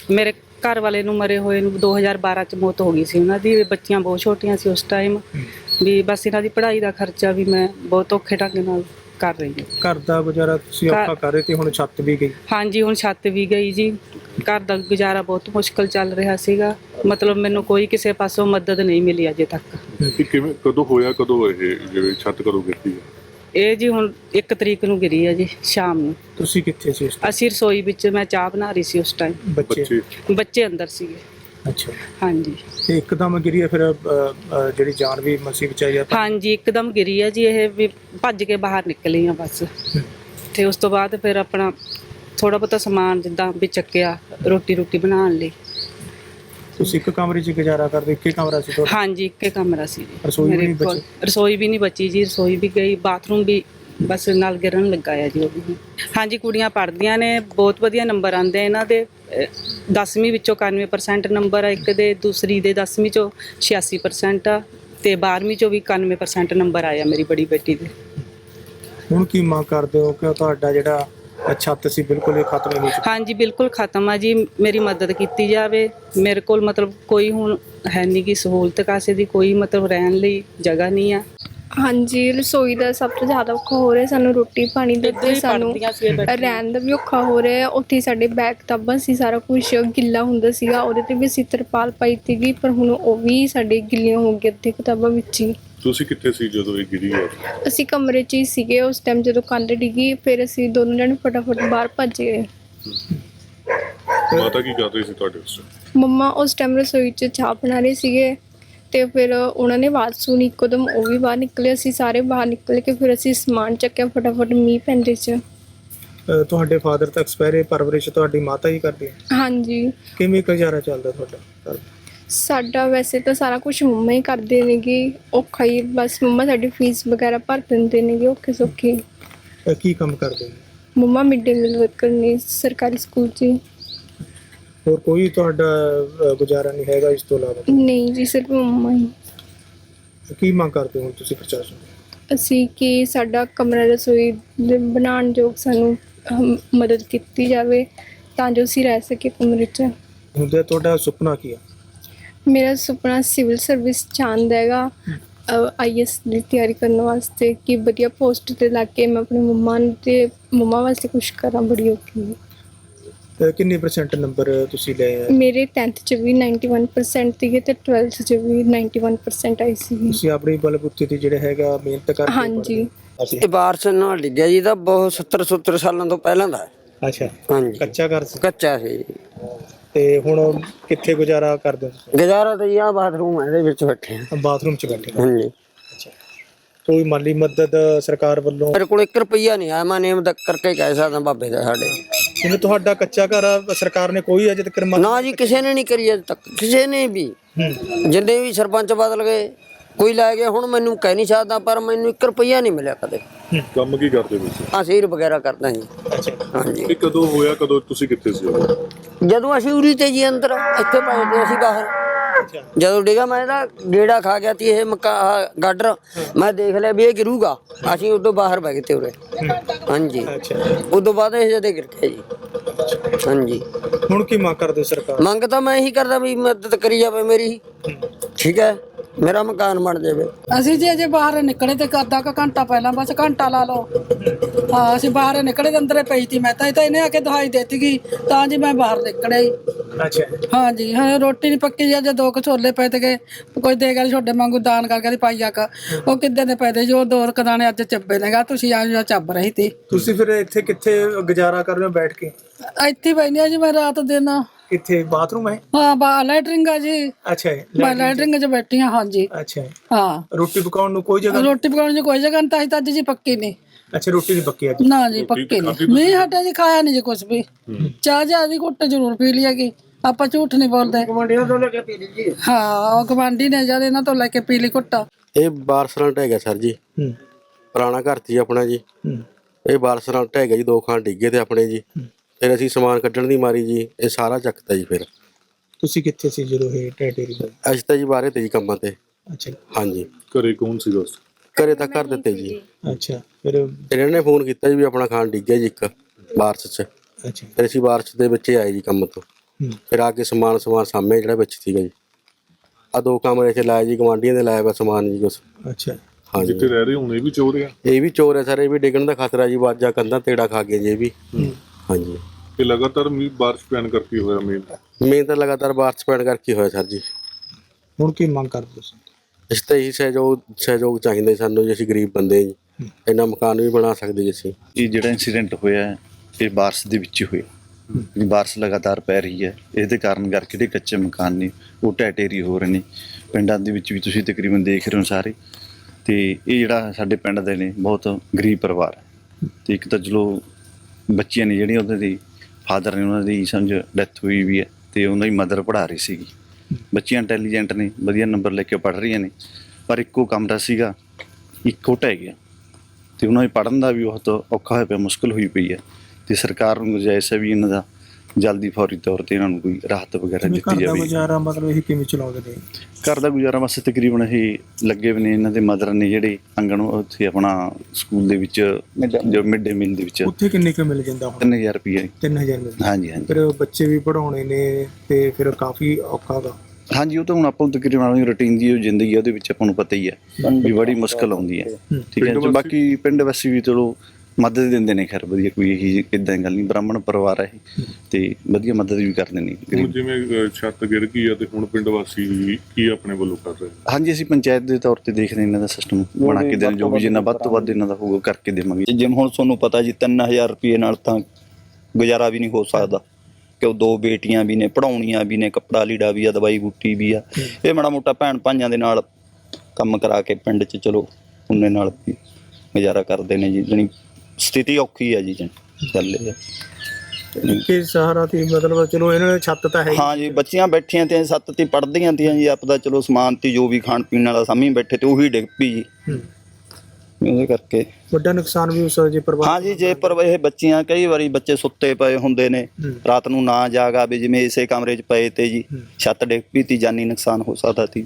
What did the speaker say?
ਮੇਰੇ ਘਰ ਵਾਲੇ ਨੂੰ ਮਰੇ ਹੋਏ ਨੂੰ 2012 ਚ ਮੌਤ ਹੋ ਗਈ ਸੀ ਉਹਨਾਂ ਦੀ। ਬੱਚੀਆਂ ਬਹੁਤ ਛੋਟੀਆਂ ਸੀ ਉਸ ਟਾਈਮ ਵੀ ਬਸ ਇਹਨਾਂ ਦੀ ਪੜ੍ਹਾਈ ਦਾ ਖਰਚਾ ਵੀ ਮੈਂ ਬਹੁਤ ਔਖੇ ਢੰਗ ਨਾਲ ਕਰ ਰਹੀ ਹਾਂ। ਘਰ ਦਾ ਗੁਜ਼ਾਰਾ ਤੁਸੀਂ ਔਖਾ ਕਰ ਰਹੇ ਤੇ ਹੁਣ ਛੱਤ ਵੀ ਗਈ। ਹਾਂਜੀ, ਹੁਣ ਛੱਤ ਵੀ ਗਈ ਜੀ। ਘਰ ਦਾ ਗੁਜ਼ਾਰਾ ਬਹੁਤ ਮੁਸ਼ਕਲ ਚੱਲ ਰਿਹਾ ਸੀਗਾ। ਮਤਲਬ ਮੈਨੂੰ ਕੋਈ ਕਿਸੇ ਪਾਸੋਂ ਮਦਦ ਨਹੀਂ ਮਿਲੀ ਅਜੇ ਤੱਕ। ਕਿਵੇਂ ਕਦੋਂ ਹੋਇਆ, ਕਦੋਂ ਇਹ ਜਿਹੜੀ ਛੱਤ ਕਦੋਂ ਗਿਰਦੀ ਹੈ? ਇਹ ਜੀ ਹੁਣ 1 ਤਰੀਕ ਨੂੰ ਗਿਰੀ ਹੈ ਜੀ ਸ਼ਾਮ ਨੂੰ। ਤੁਸੀਂ ਕਿੱਥੇ ਸੀ ਉਸ time? ਅਸੀਂ ਰਸੋਈ ਵਿੱਚ ਮੈਂ ਚਾਹ ਬਣਾ ਰਹੀ ਸੀ ਉਸ ਟਾਈਮ। ਬੱਚੇ? ਬੱਚੇ ਅੰਦਰ ਸੀਗੇ। ਅੱਛਾ। ਹਾਂਜੀ ਤੇ ਇੱਕਦਮ ਗਿਰੀ ਹੈ ਫਿਰ ਜਿਹੜੀ ਜਾਨ ਵੀ ਮਸੀ ਬਚਾਈ ਆ? ਹਾਂਜੀ, ਇੱਕਦਮ ਗਿਰੀ ਹੈ ਜੀ। ਇਹ ਵੀ ਭੱਜ ਕੇ ਬਾਹਰ ਨਿਕਲੀ ਆ ਬਸ। ਤੇ ਉਸ ਤੋਂ ਬਾਅਦ ਫਿਰ ਆਪਣਾ ਥੋੜਾ ਬਹੁਤਾ ਸਮਾਨ ਜਿੱਦਾਂ ਵੀ ਚੱਕਿਆ ਰੋਟੀ ਬਣਾਉਣ ਲਈ। ਤੁਸੀਂ ਇੱਕ ਕਮਰੇ 'ਚ ਗੁਜ਼ਾਰਾ ਕਰਦੇ? ਇੱਕ ਹੀ ਕਮਰਾ ਸੀ ਤੁਹਾਡਾ? ਹਾਂਜੀ, ਇੱਕ ਹੀ ਕਮਰਾ ਸੀ ਜੀ। ਰਸੋਈ ਵੀ ਨਹੀਂ ਬਚੀ? ਰਸੋਈ ਵੀ ਨਹੀਂ ਬਚੀ ਜੀ। ਰਸੋਈ ਵੀ ਗਈ, ਬਾਥਰੂਮ ਵੀ ਬਸ ਨਾਲ ਗਿਰਨ ਲੱਗਾ ਆ ਜੀ ਉਹ ਵੀ। ਹਾਂਜੀ, ਕੁੜੀਆਂ ਪੜ੍ਹਦੀਆਂ ਨੇ, ਬਹੁਤ ਵਧੀਆ ਨੰਬਰ ਆਉਂਦੇ ਇਹਨਾਂ ਦੇ। 10ਵੀਂ ਵਿੱਚੋਂ 91% ਨੰਬਰ ਆ ਇੱਕ ਦੇ, ਦੂਸਰੀ ਦੇ 10ਵੀਂ ਚੋਂ 86% ਆ ਤੇ 12ਵੀਂ ਚੋਂ ਵੀ 91% ਨੰਬਰ ਆਇਆ ਮੇਰੀ ਬੜੀ ਬੇਟੀ ਦੇ। ਹੁਣ ਕੀ ਮੰਗ ਕਰਦੇ ਹੋ ਕਿ ਤੁਹਾਡਾ ਜਿਹੜਾ ਛੱਤ ਸੀ ਬਿਲਕੁਲ ਹੀ ਖਤਮ ਹੋ ਚੁੱਕੀ? ਹਾਂਜੀ, ਬਿਲਕੁਲ ਖਤਮ ਆ ਜੀ। ਮੇਰੀ ਮਦਦ ਕੀਤੀ ਜਾਵੇ। ਮੇਰੇ ਕੋਲ ਮਤਲਬ ਕੋਈ ਹੁਣ ਹੈ ਨਹੀਂ ਗੀ ਸਹੂਲਤ ਕਾਸੇ ਦੀ, ਕੋਈ ਮਤਲਬ ਰਹਿਣ ਲਈ ਜਗ੍ਹਾ ਨਹੀਂ ਆ। ਹਾਂਜੀ, ਰਸੋਈ ਦਾ ਸਭ ਤੋਂ ਜ਼ਿਆਦਾ ਔਖਾ ਹੋ ਰਿਹਾ ਸਾਨੂੰ। ਰੋਟੀ ਪਾਣੀ ਦਾ ਤੇ ਸਾਨੂੰ ਰਹਿਣ ਦਾ ਵੀ ਔਖਾ ਹੋ ਰਿਹਾ। ਉੱਥੇ ਸਾਡੇ ਬੈਗ ਕਿਤਾਬਾਂ ਸੀ, ਸਾਰਾ ਕੁਛ ਗਿੱਲਾ ਹੁੰਦਾ ਸੀਗਾ। ਉਹਦੇ ਤੇ ਵੀ ਅਸੀਂ ਤਰਪਾਲ ਪਾਈ ਸੀਗੀ, ਪਰ ਹੁਣ ਉਹ ਵੀ ਸਾਡੇ ਗਿੱਲੀਆਂ ਹੋ ਗਈਆਂ ਅੱਧੇ ਕਿਤਾਬਾਂ ਵਿੱਚ ਹੀ। ਤੁਸੀਂ ਕਿੱਥੇ ਸੀ ਜਦੋਂ ਇਹ ਗਿਰੀ ਹੈ? ਅਸੀਂ ਕਮਰੇ 'ਚ ਹੀ ਸੀਗੇ ਉਸ ਟਾਈਮ ਜਦੋਂ ਕੰਧ ਡਿੱਗੀ। ਫਿਰ ਅਸੀਂ ਦੋਨੋਂ ਜਣੇ ਫਟਾਫਟ ਬਾਹਰ ਭੱਜ ਗਏ। ਮਾਤਾ ਕੀ ਕਰ ਰਹੀ ਸੀ ਤੁਹਾਡੇ ਉਸ time? ਮੰਮਾ ਉਸ ਟਾਈਮ ਰਸੋਈ 'ਚ ਚਾਹ ਬਣਾ ਰਹੇ ਸੀਗੇ ਤੇ ਫਿਰ ਉਹਨਾਂ ਨੇ ਆਵਾਜ਼ ਸੁਣੀ ਇੱਕਦਮ, ਉਹ ਵੀ ਬਾਹਰ ਨਿਕਲੇ। ਅਸੀਂ ਸਾਰੇ ਬਾਹਰ ਨਿਕਲ ਕੇ ਫਿਰ ਅਸੀਂ ਸਮਾਨ ਚੱਕਿਆ ਫਟਾਫਟ ਮੀਂਹ ਪੈਂਦੇ 'ਚ। ਤੁਹਾਡੇ ਫਾਦਰ ਤਾਂ ਐਕਸਪਾਇਰ, ਪਰਵਰਿਸ਼ ਤੁਹਾਡੀ ਮਾਤਾ ਹੀ ਕਰਦੀ ਹੈ? ਹਾਂਜੀ। ਕਿਵੇਂ ਗੁਜ਼ਾਰਾ ਚੱਲਦਾ ਤੁਹਾਡਾ? ਸਾਡਾ ਵੈਸੇ ਤਾਂ ਸਾਰਾ ਕੁਝ ਮੰਮਾ ਹੀ ਕਰਦੇ ਨੇਗੇ। ਔਖਾ ਹੀ ਬਸ ਮੰਮਾ ਸਾਡੀ ਫੀਸ ਵਗੈਰਾ ਭਰ ਦਿੰਦੇ ਨੇਗੇ ਔਖੇ ਸੌਖੇ। ਕੀ ਕੰਮ ਕਰਦੇ ਨੇ? ਮੰਮਾ ਮਿਡ ਡੇ ਮੀਲ ਵਰਕਰ ਨੇ ਸਰਕਾਰੀ ਸਕੂਲ 'ਚ। ਹੋਰ ਕੋਈ ਤੁਹਾਡਾ ਗੁਜ਼ਾਰਾ ਨਹੀਂ ਹੈਗਾ ਇਸ ਤੋਂ ਇਲਾਵਾ? ਨਹੀਂ ਜੀ, ਸਿਰਫ ਮੰਮਾ ਹੀ। ਕੀ ਮੰਗ ਕਰਦੇ ਹੋ ਤੁਸੀਂ ਪ੍ਰਸ਼ਾਸਨ ਤੋਂ? ਅਸੀਂ ਕਿ ਸਾਡਾ ਕਮਰਾ ਰਸੋਈ ਦੇ ਬਣਾਉਣ ਯੋਗ ਸਾਨੂੰ ਮਦਦ ਕੀਤੀ ਜਾਵੇ ਤਾਂ ਜੋ ਅਸੀਂ ਰਹਿ ਸਕੀਏ ਕਮਰੇ 'ਚ। ਹੁੰਦੇ ਤੁਹਾਡਾ ਸੁਪਨਾ ਕੀ ਆ? ਮੇਰਾ ਸੁਪਨਾ ਸਿਵਲ ਸਰਵਿਸ ਚਾਹੁੰਦਾ ਹੈਗਾ, IAS ਦੀ ਤਿਆਰੀ ਕਰਨ ਵਾਸਤੇ ਕਿ ਵਧੀਆ ਪੋਸਟ 'ਤੇ ਲੱਗ ਕੇ ਮੈਂ ਆਪਣੇ ਮੰਮਾ ਵਾਸਤੇ ਕੁਛ ਕਰਾਂ। ਬੜੀ ਔਖੀ ਕਿੰਨੇ % ਨੰਬਰ ਤੁਸੀਂ ਲਏ ਆ? ਮੇਰੇ 10th 'ਚ ਵੀ 91% ਸੀਗੇ ਤੇ 12th 'ਚ ਵੀ 91% ਆਈ ਸੀ। ਤੁਸੀਂ ਆਪਣੀ ਬਲਬੁੱਤੇ ਤੇ ਜਿਹੜਾ ਹੈਗਾ ਮਿਹਨਤ ਕਰਕੇ? ਹਾਂਜੀ। ਅਸੀਂ ਇਹ ਬਾਰਿਸ਼ ਨਾਲ ਡਿੱਗਿਆ ਜੀ, ਤਾਂ ਬਹੁਤ 70 ਸਾਲਾਂ ਤੋਂ ਪਹਿਲਾਂ ਦਾ ਹੈ। ਅੱਛਾ। ਹਾਂਜੀ, ਕੱਚਾ ਘਰ ਸੀ? ਕੱਚਾ ਸੀ। ਤੇ ਹੁਣ ਕਿੱਥੇ ਗੁਜ਼ਾਰਾ ਕਰਦੇ ਹੋ? ਗੁਜ਼ਾਰਾ ਤਾਂ ਜੀ ਆਹ ਬਾਥਰੂਮ ਹੈ, ਇਹਦੇ ਵਿੱਚ ਬੈਠੇ ਆ। ਬਾਥਰੂਮ 'ਚ ਬੈਠੇ? ਹਾਂਜੀ। ਅੱਛਾ। ਕੋਈ ਮਾਲੀ ਮਦਦ ਸਰਕਾਰ ਵੱਲੋਂ? ਮੇਰੇ ਕੋਲ 1 ਰੁਪਈਆ ਨਹੀਂ ਆਇਆ। ਮੈਂ ਨੇਮ ਕਰਕੇ ਕਹਿ ਸਕਦਾ ਬਾਬੇ ਦਾ ਸਾਡੇ। ਜਿਵੇਂ ਤੁਹਾਡਾ ਕੱਚਾ ਘਰ ਆ, ਸਰਕਾਰ ਨੇ ਕੋਈ ਅਜੇ ਤੱਕ ਨਾ ਜੀ, ਕਿਸੇ ਨੇ ਨਹੀਂ ਕਰੀ ਅਜੇ ਤੱਕ, ਕਿਸੇ ਨੇ ਵੀ। ਜਿੰਨੇ ਵੀ ਸਰਪੰਚ ਬਦਲ ਗਏ, ਕੋਈ ਲੈ ਗਿਆ। ਹੁਣ ਮੈਨੂੰ ਕਹਿ ਨਹੀਂ ਸਕਦਾ, ਪਰ ਮੈਨੂੰ 1 ਰੁਪਈਆ ਨਹੀਂ ਮਿਲਿਆ ਕਦੇ। ਕੰਮ ਕੀ ਕਰਦੇ ਤੁਸੀਂ? ਸੀਰ ਵਗੈਰਾ ਕਰਦਾ ਜੀ। ਹਾਂਜੀ। ਇਹ ਕਦੋਂ ਹੋਇਆ, ਕਦੋਂ ਤੁਸੀਂ ਕਿੱਥੇ ਸੀ? ਜਦੋਂ ਅਸੀਂ ਉਰੀ ਤੇ ਜੀ ਅੰਦਰ ਇੱਥੇ ਪਏ ਤੇ ਅਸੀਂ ਬਾਹਰ। ਜਦੋਂ ਡਿੱਗਾ ਮੈਂ ਤਾਂ ਗੇੜਾ ਖਾ ਗਿਆ ਤੀ ਇਹ ਗਾਡਰ। ਮੈਂ ਦੇਖ ਲਿਆ ਵੀ ਇਹ ਗਿਰੂਗਾ, ਅਸੀਂ ਉਦੋਂ ਬਾਹਰ ਬੈ ਗਏ ਤੇ ਉਰੇ। ਹਾਂਜੀ। ਉਦੋਂ ਬਾਅਦ ਇਹ ਜਦੇ ਗਿਰ ਗਿਆ ਜੀ। ਹਾਂਜੀ। ਹੁਣ ਕੀ ਮੰਗ ਕਰਦੇ ਸਰਕਾਰ? ਮੰਗ ਤਾਂ ਮੈਂ ਇਹੀ ਕਰਦਾ ਵੀ ਮਦਦ ਕਰੀ ਜਾਵੇ ਮੇਰੀ। ਠੀਕ ਹੈ, ਮੇਰਾ ਮਕਾਨ ਬਣ ਜਾਵੇ। ਅਸੀਂ ਜੀ ਅਜੇ ਬਾਹਰ ਨਿਕਲੇ ਤੇ ਅੱਧਾ ਕੁ ਘੰਟਾ ਪਹਿਲਾਂ, ਬਸ ਘੰਟਾ ਲਾ ਲਓ। ਹਾਂ, ਅਸੀਂ ਬਾਹਰ ਨਿਕਲੇ ਤੇ ਅੰਦਰੇ ਪਈ ਸੀ ਮੈਂ ਤਾਂ ਇਹਨੇ ਆ ਕੇ ਦਵਾਈ ਦੇਤੀ ਗਈ ਤਾਂ ਜੀ ਮੈਂ ਬਾਹਰ ਨਿਕਲਿਆ ਜੀ। ਅੱਛਾ। ਹਾਂਜੀ, ਹਾਂ ਰੋਟੀ ਨਹੀਂ ਪੱਕੀ ਜੀ। ਅਜੇ 2 ਛੋਲੇ ਪਏ ਤੇ ਕੋਈ ਦੇ ਗਿਆ ਛੋਡੇ ਵਾਂਗੂ ਦਾਨ ਕਰਕੇ ਪਾਈ ਆ। ਉਹ ਕਿੱਦਾਂ ਦੇ ਪਏ ਤੇ ਜੋ 2 ਦਾਣੇ ਅੱਜ ਚੱਬੇ ਨੇਗਾ। ਤੁਸੀਂ ਆ ਚੱਬ ਰਹੀ ਤੀ। ਤੁਸੀਂ ਫਿਰ ਇੱਥੇ ਕਿੱਥੇ ਗੁਜ਼ਾਰਾ ਕਰ ਰਹੇ ਹੋ ਬੈਠ ਕੇ? ਇੱਥੇ ਬੈਠੀ ਜੀ ਮੈਂ ਰਾਤ ਦਿਨ। ਕਿੱਥੇ ਬਾਥਰੂਮ ਹੈ? ਹਾਂ, ਲੈਟਰਿੰਗ ਆ ਜੀ। ਅੱਛਾ। ਮੈਂ ਲੈਟਰਿੰਗ 'ਚ ਬੈਠੀ ਹਾਂ। ਹਾਂਜੀ। ਅੱਛਾ। ਹਾਂ। ਰੋਟੀ ਪਕਾਉਣ ਨੂੰ ਕੋਈ ਜਗ੍ਹਾ? ਰੋਟੀ ਪਕਾਉਣ ਨੂੰ ਕੋਈ ਜਗ੍ਹਾ ਨਹੀਂ ਤਾਂ ਅੱਜ ਜੀ ਪੱਕੀ ਨਹੀਂ। ਅੱਛਾ, ਰੋਟੀ ਨਹੀਂ ਪੱਕੀ ਅੱਜ? ਨਾ ਜੀ, ਪੱਕੀ ਨਹੀਂ ਹਟਿਆ ਜੀ। ਖਾਇਆ ਨਹੀਂ ਜੀ ਕੁਛ ਵੀ। ਚਾਹ ਦੀ ਘੁੱਟ ਜ਼ਰੂਰ ਪੀ ਲਈ ਹੈਗੀ। ਆਪਾਂ ਝੂਠ ਨਹੀਂ ਬੋਲਦੇ। ਗਵਾਂਢੀਆਂ ਤੋਂ ਲੈ ਕੇ ਪੀ ਲਈ ਜੀ। ਹਾਂ, ਉਹ ਗਵਾਂਢੀ ਨੇ ਜਦ ਇਹਨਾਂ ਤੋਂ ਲੈ ਕੇ ਪੀ ਲਈ ਘੁੱਟ। ਇਹ ਬਾਰਿਸ਼ ਨਾਲ ਢਹਿ ਗਿਆ ਸਰ ਜੀ। ਪੁਰਾਣਾ ਘਰ ਸੀ ਆਪਣਾ ਜੀ। ਇਹ ਬਾਰਿਸ਼ ਨਾਲ ਢਹਿ ਗਿਆ ਜੀ। 2 ਖਾਨ ਡਿੱਗੇ ਤੇ ਆਪਣੇ ਜੀ। ਫਿਰ ਅਸੀਂ ਸਮਾਨ ਕੱਢਣ ਦੀ ਮਾਰੀ ਜੀ ਇਹ ਸਾਰਾ ਚੱਕਤਾ ਜੀ। ਫਿਰ ਤੁਸੀਂ ਕਿੱਥੇ ਸੀ ਜਦੋਂ ਇਹ ਢਹਿ? ਅਸੀਂ ਤਾਂ ਜੀ ਬਾਹਰੇ ਤੇ ਜੀ ਕੰਮਾਂ ਤੇ। ਅੱਛਾ। ਹਾਂਜੀ। ਘਰੇ ਕੌਣ ਸੀ ਦੋਸਤ? ਘਰੇ ਤਾਂ ਕਰ ਦਿੱਤੇ ਜੀ। ਅੱਛਾ। ਫਿਰ ਇਹਨਾਂ ਨੇ ਫੋਨ ਕੀਤਾ ਜੀ ਵੀ ਆਪਣਾ ਖਾਨ ਡਿੱਗ ਗਿਆ ਜੀ ਇੱਕ ਬਾਰਿਸ਼ 'ਚ। ਅੱਛਾ। ਫਿਰ ਅਸੀਂ ਬਾਰਿਸ਼ ਦੇ ਵਿੱਚ ਆਏ ਜੀ ਕੰਮ ਤੋਂ। ਫਿਰ ਆ ਕੇ ਸਮਾਨ ਸਾਹਮਣੇ ਜਿਹੜਾ ਵਿੱਚ ਸੀਗਾ ਜੀ। ਆ 2 ਕਮਰੇ 'ਚ ਲਾਇਆ ਜੀ, ਗਵਾਂਢੀਆਂ ਦੇ ਲਾਇਆ ਵਾ ਸਮਾਨ ਜੀ ਕੁਛ। ਅੱਛਾ ਹਾਂਜੀ ਜਿੱਥੇ ਰਹਿ ਰਹੇ ਹੁਣ ਇਹ ਵੀ ਚੋਰ ਆ? ਇਹ ਵੀ ਚੋਰ ਹੈ ਸਰ, ਇਹ ਵੀ ਡਿੱਗਣ ਦਾ ਖਤਰਾ ਜੀ, ਵਾਜਾ ਕੰਧਾਂ ਤੇੜਾ ਖਾ ਗਏ ਜੀ ਇਹ ਵੀ। ਹਾਂਜੀ ਇਹ ਲਗਾਤਾਰ ਬਾਰਿਸ਼ ਪੈਣ ਕਰਕੇ ਹੋਇਆ ਮੇਨ ਤਾਂ ਲਗਾਤਾਰ ਬਾਰਿਸ਼ ਪੈਣ ਕਰਕੇ ਹੋਇਆ ਸਰ ਜੀ। ਹੁਣ ਕੀ ਮੰਗ ਕਰਦੇ ਤੁਸੀਂ? ਇਸ ਤਾਂ ਇਹੀ ਸਹਿਯੋਗ ਚਾਹੀਦਾ ਜੀ ਸਾਨੂੰ ਜੀ, ਅਸੀਂ ਗਰੀਬ ਬੰਦੇ ਜੀ, ਇੰਨਾ ਮਕਾਨ ਵੀ ਬਣਾ ਸਕਦੇ ਜੀ ਅਸੀਂ। ਇਹ ਜਿਹੜਾ ਇਨਸੀਡੈਂਟ ਹੋਇਆ ਹੈ, ਇਹ ਬਾਰਿਸ਼ ਦੇ ਵਿੱਚ ਹੋਇਆ। ਬਾਰਿਸ਼ ਲਗਾਤਾਰ ਪੈ ਰਹੀ ਹੈ, ਇਹਦੇ ਕਾਰਨ ਕਰਕੇ ਜਿਹੜੇ ਕੱਚੇ ਮਕਾਨ ਨੇ ਉਹ ਢਹਿ ਢੇਰੀ ਹੋ ਰਹੇ ਨੇ। ਪਿੰਡਾਂ ਦੇ ਵਿੱਚ ਵੀ ਤੁਸੀਂ ਤਕਰੀਬਨ ਦੇਖ ਰਹੇ ਹੋ ਸਾਰੇ। ਤੇ ਇਹ ਜਿਹੜਾ ਸਾਡੇ ਪਿੰਡ ਦੇ ਨੇ ਬਹੁਤ ਗਰੀਬ ਪਰਿਵਾਰ ਹੈ। ਤੇ ਇੱਕ ਤਾਂ ਚਲੋ ਬੱਚੀਆਂ ਨੇ ਜਿਹੜੀਆਂ ਉਹਨਾਂ ਦੀ ਫਾਦਰ ਨੇ, ਉਹਨਾਂ ਦੀ ਸਮਝ ਡੈਥ ਹੋਈ ਵੀ ਹੈ, ਤੇ ਉਹਨਾਂ ਦੀ ਮਦਰ ਪੜ੍ਹਾ ਰਹੀ ਸੀਗੀ। ਬੱਚੀਆਂ ਇੰਟੈਲੀਜੈਂਟ ਨੇ, ਵਧੀਆ ਨੰਬਰ ਲੈ ਕੇ ਪੜ੍ਹ ਰਹੀਆਂ ਨੇ, ਪਰ ਇੱਕੋ ਕਮਰਾ ਸੀਗਾ, ਇੱਕੋ ਢਹਿ ਗਿਆ। ਤੇ ਉਹਨਾਂ ਦੇ ਪੜ੍ਹਨ ਦਾ ਵੀ ਬਹੁਤ ਔਖਾ ਹੋਇਆ ਪਿਆ, ਮੁਸ਼ਕਿਲ ਹੋਈ ਪਈ ਹੈ। ਤੇ ਸਰਕਾਰ ਨੂੰ ਗੁਜ਼ਾਰਿਸ਼ ਹੈ ਵੀ ਇਹਨਾਂ ਦਾ ਜਲਦੀ ਫੌਰੀ ਤੌਰ ਤੇ ਇਹਨਾਂ ਨੂੰ ਕੋਈ ਰਾਹਤ ਵਗੈਰਾ ਘਰ ਦਿੱਤੀ ਦਾ ਜਾਵੇ। ਗੁਜ਼ਾਰਾ ਮਤਲਬ ਇਹ ਕਿਵੇਂ ਚਲਾਉਂਦੇ ਨੇ? ਘਰ ਦਾ ਗੁਜ਼ਾਰਾ ਵਾਸਤੇ ਤਕਰੀਬਨ ਇਹ ਲੱਗੇ ਵੀ ਨੇ, ਇਹਨਾਂ ਦੇ ਮਦਰ ਨੇ ਜਿਹੜੇ ਆਂਗਣ ਉੱਥੇ ਆਪਣਾ ਸਕੂਲ ਦੇ ਵਿੱਚ ਜੋ ਮਿਡ ਡੇ ਮੀਲ ਦੇ ਵਿੱਚ ਉੱਥੇ ਕਿੰਨੇ ਕੁ ਮਿਲ ਜਾਂਦਾ ਹੁਣ? 3000 ਰੁਪਏ। 3000 ਮਿਲਦਾ? ਹਾਂਜੀ ਹਾਂਜੀ ਫਿਰ ਬੱਚੇ ਵੀ ਪੜਾਉਣੇ ਨੇ ਤੇ ਫਿਰ ਕਾਫੀ ਔਖਾ ਗਾ। ਹਾਂਜੀ, ਉਹ ਤਾਂ ਹੁਣ ਆਪਾਂ ਨੂੰ ਤਕਰੀਬਨ ਆਪਣੀ ਰੂਟੀਨ ਦੀ ਜੋ ਜ਼ਿੰਦਗੀ ਹੈ ਉਹਦੇ ਵਿੱਚ ਆਪਾਂ ਨੂੰ ਪਤਾ ਹੀ ਹੈ ਵੀ ਬੜੀ ਮੁਸ਼ਕਲ ਆਉਂਦੀ ਹੈ। ਠੀਕ ਹੈ ਜੀ। ਬਾਕੀ ਪਿੰਡ ਵਾਸੀ ਵੀ ਚਲੋ ਮਦਦ ਦਿੰਦੇ ਨੇ, ਖੈਰ ਵਧੀਆ, ਕੋਈ ਇਹੀ ਇਦਾਂ ਗੱਲ ਨਹੀਂ। ਬ੍ਰਾਹਮਣ ਪਰਿਵਾਰ ਹੈ ਇਹ, ਤੇ ਵਧੀਆ ਮਦਦ ਵੀ ਕਰਦੇ ਨੇ। ਹੁਣ ਜਿਵੇਂ ਛੱਤ ਗਿਰ ਗਈ ਆ ਤੇ ਹੁਣ ਪਿੰਡ ਵਾਸੀ ਕੀ ਆਪਣੇ ਵੱਲੋਂ ਕਰ ਰਹੇ? ਹਾਂਜੀ, ਅਸੀਂ ਪੰਚਾਇਤ ਦੇ ਤੌਰ ਤੇ ਦੇਖਦੇ ਇਹਨਾਂ ਦਾ ਸਿਸਟਮ ਬਣਾ ਕੇ ਦੇਣ, ਜੋ ਵੀ ਜਿੰਨਾ ਵੱਧ ਤੋਂ ਵੱਧ ਇਹਨਾਂ ਦਾ ਹੋਊਗਾ ਕਰਕੇ ਦੇਵਾਂਗੇ। ਜਿਵੇਂ ਹੁਣ ਤੁਹਾਨੂੰ ਪਤਾ ਜੀ 3000 ਰੁਪਏ ਨਾਲ ਤਾਂ ਗੁਜ਼ਾਰਾ ਵੀ ਨਹੀਂ ਹੋ ਸਕਦਾ, ਕਿ ਉਹ 2 ਬੇਟੀਆਂ ਵੀ ਨੇ, ਪੜਾਉਣੀਆਂ ਵੀ ਨੇ, ਕੱਪੜਾ ਲੀੜਾ ਵੀ ਆ, ਦਵਾਈ ਬੂਟੀ ਵੀ ਆ। ਇਹ ਮਾੜਾ ਮੋਟਾ ਭੈਣ ਭਾਈਆਂ ਦੇ ਨਾਲ ਕੰਮ ਕਰਾ ਕੇ ਪਿੰਡ 'ਚ ਚਲੋ ਉਹਨੇ ਨਾਲ ਵੀ ਗੁਜ਼ਾਰਾ ਕਰਦੇ ਨੇ ਜੀ। ਜਾਣੀ ਸਥਿਤੀ ਔਖੀ ਹੈ ਜੀ, ਚੱਲੇ ਕਿ ਸਹਾਰਾ ਤੇ ਮਤਲਬ ਚਲੋ ਇਹਨਾਂ ਨੇ ਛੱਤ ਤਾਂ ਹੈ। ਹਾਂ ਜੀ, ਬੱਚੀਆਂ ਬੈਠੀਆਂ ਤੇ ਛੱਤ ਤੇ ਪੜ੍ਹਦੀਆਂ ਤੀਆਂ ਜੀ, ਆਪਦਾ ਚਲੋ ਸਮਾਨ ਤੇ ਜੋ ਵੀ ਖਾਣ ਪੀਣ ਵਾਲਾ ਸਾਹਮਣੇ ਬੈਠੇ ਤੇ ਉਹੀ ਡਿੱਗ ਪਈ ਜੀ। ਉਹਦੇ ਕਰਕੇ ਵੱਡਾ ਨੁਕਸਾਨ ਵੀ ਉਸ ਜੇ ਪਰਿਵਾਰ। ਹਾਂ ਜੀ, ਜੇ ਪਰ ਇਹ ਬੱਚੀਆਂ ਕਈ ਵਾਰੀ ਬੱਚੇ ਸੁੱਤੇ ਪਏ ਹੁੰਦੇ ਨੇ, ਰਾਤ ਨੂੰ ਨਾ ਜਾਗ ਆਵੇ, ਜਿਵੇਂ ਇਸੇ ਕਮਰੇ 'ਚ ਪਏ ਤੇ ਜੀ ਛੱਤ ਡਿੱਗ ਪਈ ਤੀ, ਜਾਨੀ ਨੁਕਸਾਨ ਹੋ ਸਕਦਾ ਸੀ।